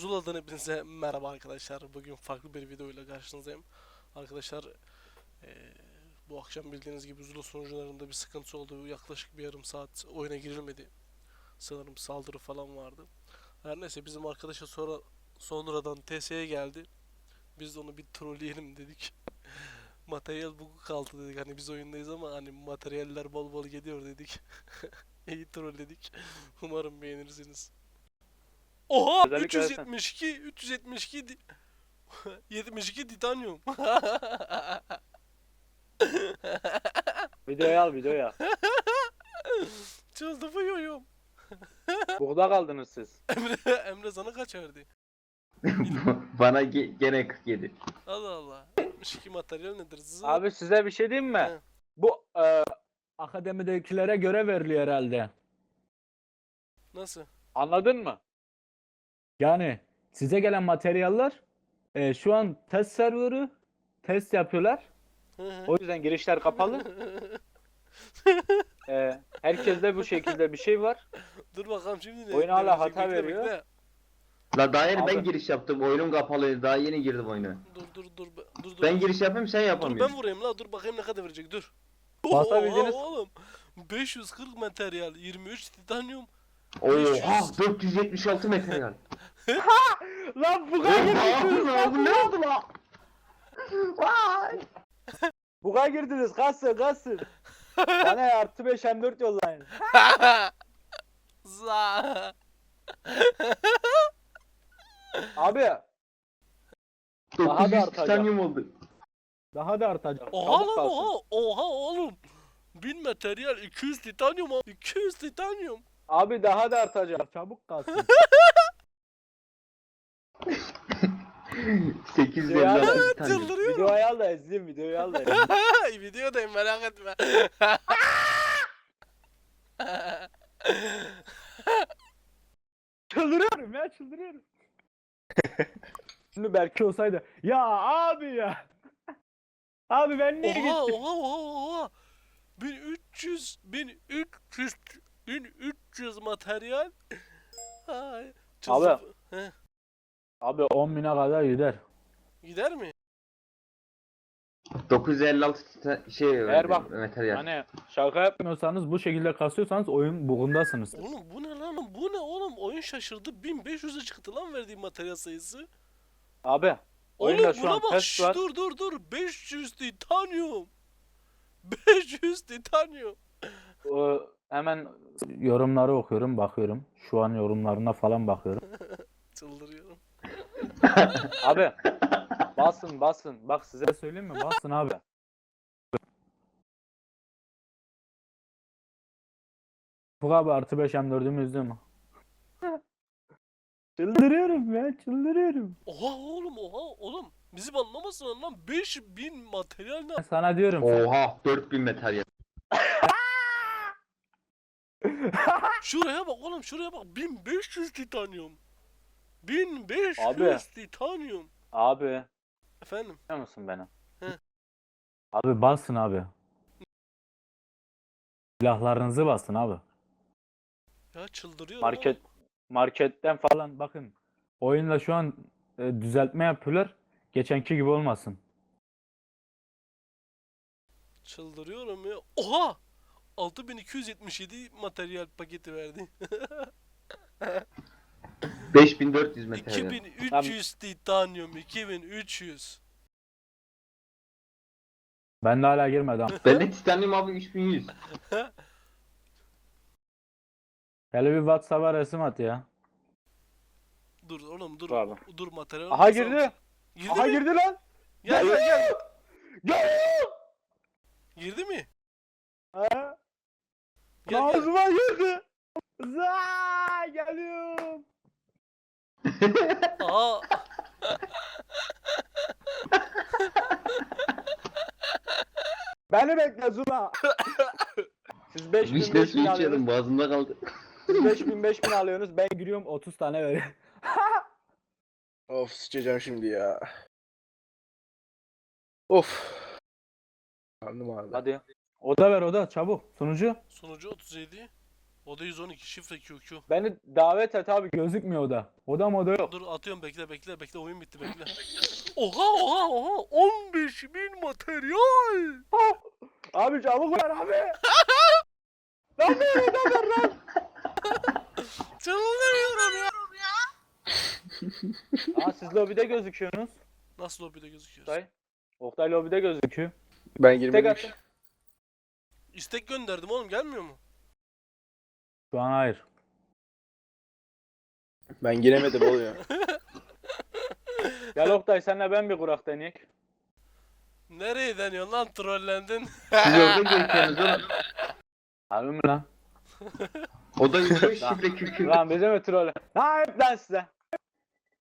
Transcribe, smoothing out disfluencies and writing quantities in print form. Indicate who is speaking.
Speaker 1: Zula'dan hepinize merhaba arkadaşlar. Bugün farklı bir video ile karşınızdayım. Arkadaşlar bu akşam bildiğiniz gibi Zula sunucularında bir sıkıntı oldu. Yaklaşık bir yarım saat oyuna girilmedi. Sanırım saldırı falan vardı. Her neyse bizim arkadaşa sonradan TS'ye geldi. Biz de onu bir trolleyelim dedik. Materyal bugu kaldı dedik. Hani biz oyundayız ama hani materyaller bol bol geliyor dedik. İyi trolledik. Umarım beğenirsiniz. Oha,
Speaker 2: Özellikle
Speaker 1: 372 72 titanyum.
Speaker 2: videoya al videoya.
Speaker 1: Çıldırıyorum.
Speaker 2: Burada kaldınız siz.
Speaker 1: Emre sana kaç verdi?
Speaker 3: Bana gene 47.
Speaker 1: Allah Allah. 72 materyal nedir?
Speaker 2: Abi size bir şey diyeyim mi?
Speaker 1: He.
Speaker 2: Bu akademidekilere göre veriliyor herhalde.
Speaker 1: Nasıl?
Speaker 2: Anladın mı? Yani size gelen materyaller şu an test serverı test yapıyorlar. O yüzden girişler kapalı. Herkeste bu şekilde bir şey var.
Speaker 1: Dur bakalım şimdi ne?
Speaker 2: Oyun
Speaker 1: ne
Speaker 2: hala
Speaker 1: verecek?
Speaker 2: hata
Speaker 1: Bekle,
Speaker 2: veriyor.
Speaker 1: bekle.
Speaker 3: La daha yeni
Speaker 2: Abi.
Speaker 3: ben giriş yaptım. Oyunum kapalıydı. Daha yeni girdim oyuna.
Speaker 1: Dur.
Speaker 3: Ben giriş yapayım sen
Speaker 1: Dur
Speaker 3: yapamıyorsun.
Speaker 1: ben vurayım la. Dur bakayım ne kadar verecek. Dur.
Speaker 2: Basabildiniz.
Speaker 1: Oha oğlum. 540 materyal, 23 titanyum.
Speaker 3: Oha
Speaker 1: 500.
Speaker 3: 476 materyal.
Speaker 2: Lan buga
Speaker 3: Oha
Speaker 2: girdiniz.
Speaker 3: lan bu ne oldu lan? Vay.
Speaker 2: Buga girdiniz. Kalsın. Bana artı 5 M4 yollayın.
Speaker 1: Za.
Speaker 2: Abi Daha da
Speaker 3: 900
Speaker 2: artacak.
Speaker 3: titanyum oldu.
Speaker 2: daha da artacak.
Speaker 1: Oha
Speaker 2: Çabuk
Speaker 1: lan
Speaker 2: kalsın.
Speaker 1: oha oğlum. 1000 materyal 200 titanyum 200 titanyum.
Speaker 2: Abi daha da artacak. Çabuk kalsın.
Speaker 3: 856 titanyum.
Speaker 1: Çıldırıyorum.
Speaker 2: Videoyu al da izleyeyim. Videoyu al da izleyeyim.
Speaker 1: Videodayım merak etme.
Speaker 2: Çıldırıyorum ya çıldırıyorum. Şimdi Berke olsaydı. Ya abi ya. Abi ben niye gittim?
Speaker 1: Oha. 1300 materyal. Ay.
Speaker 2: Abi.
Speaker 1: Heh,
Speaker 2: Abi 10.000'e kadar gider.
Speaker 1: gider mi?
Speaker 3: 956
Speaker 2: Eğer bak
Speaker 3: materyal.
Speaker 2: hani şaka yapmıyorsanız bu şekilde kasıyorsanız oyun bugundasınız.
Speaker 1: Oğlum bu ne lan? Bu ne oğlum? Oyun şaşırdı. 1500'e çıktı lan verdiğim materyal sayısı.
Speaker 2: Abi oyunda
Speaker 1: Oğlum
Speaker 2: şu
Speaker 1: buna
Speaker 2: an
Speaker 1: bak.
Speaker 2: test var.
Speaker 1: Dur. 500 titanyum. 500 titanyum.
Speaker 2: Hemen yorumları okuyorum, bakıyorum. Şu an yorumlarına falan bakıyorum.
Speaker 1: Çıldırıyorum.
Speaker 2: Abi basın. Bak size söyleyeyim mi? Basın abi. Bu abi artı 5 M4'ümü üzdü mü? Çıldırıyorum ya çıldırıyorum.
Speaker 1: Oha oğlum. Bizi banlamasın lan. 5000 materyal ne?
Speaker 2: Ben sana diyorum.
Speaker 3: Oha 4000 materyal.
Speaker 1: Şuraya bak oğlum şuraya bak. 1500 titanyum. 1500
Speaker 2: Abi.
Speaker 1: titanyum.
Speaker 2: Abi
Speaker 1: Efendim.
Speaker 2: biliyor musun beni?
Speaker 1: He.
Speaker 2: Abi basın abi. Silahlarınızı basın abi.
Speaker 1: Ya çıldırıyorum oğlum.
Speaker 2: Marketten falan bakın. Oyunla şu an düzeltme yapıyorlar. Geçenki gibi olmasın.
Speaker 1: Çıldırıyorum ya. Oha! 6277 materyal paketi verdi.
Speaker 3: 5400 materyal.
Speaker 1: 2300 titanyum. 2300.
Speaker 2: Ben de hala girmedim.
Speaker 3: Bende titanyum abi 3100.
Speaker 2: Hele bir WhatsApp'a resim at ya.
Speaker 1: Dur oğlum dur.
Speaker 2: Abi.
Speaker 1: Dur materyal.
Speaker 2: Aha girdi.
Speaker 1: Girdi
Speaker 2: Aha
Speaker 1: mi?
Speaker 2: girdi lan.
Speaker 1: Gel.
Speaker 2: Gel.
Speaker 1: Girdi mi?
Speaker 2: Ha?
Speaker 1: Gel.
Speaker 2: Ağzıma girdi. Za geliyorum.
Speaker 1: Aa.
Speaker 2: Beni bekle Zula. Siz 5000
Speaker 3: Vişne
Speaker 2: 5000
Speaker 3: suyu içiyordum
Speaker 2: alıyorsunuz.
Speaker 3: boğazımda kaldı.
Speaker 2: Siz 5000 alıyorsunuz. Ben giriyorum 30 tane veriyorum.
Speaker 4: Of sıçacağım şimdi ya. Of. Karnım ağrıdı.
Speaker 2: Hadi. Oda ver oda çabuk. Sunucu.
Speaker 1: Sonucu 37. Oda 112 şifre QQ.
Speaker 2: Beni davet et abi, gözükmüyor oda. Oda moda yok.
Speaker 1: Dur atıyorum, bekle oyun bitti bekle. Oha 15.000 materyal.
Speaker 2: Abi çabuk ver abi. Lan ver oda ver lan.
Speaker 1: Çıldırıyorum ya.
Speaker 2: Aa, siz lobide gözüküyorsunuz.
Speaker 1: Nasıl lobide gözüküyoruz?
Speaker 2: Oktay. Oktay lobide gözüküyor.
Speaker 4: Ben
Speaker 2: Tek
Speaker 4: girmedim.
Speaker 2: atın.
Speaker 1: İstek gönderdim oğlum, gelmiyor mu?
Speaker 2: Şu an hayır.
Speaker 4: Ben giremedim oğlum ya.
Speaker 2: Gel Oktay, senle ben bir kurak deneyek.
Speaker 1: Nereye deniyorsun lan, trollendin?
Speaker 3: Siz orada gözüküyorsunuz oğlum.
Speaker 2: Abi mi lan?
Speaker 3: O da 105 şifre kükü.
Speaker 2: Lan bize mi troll? Ha hep lan size.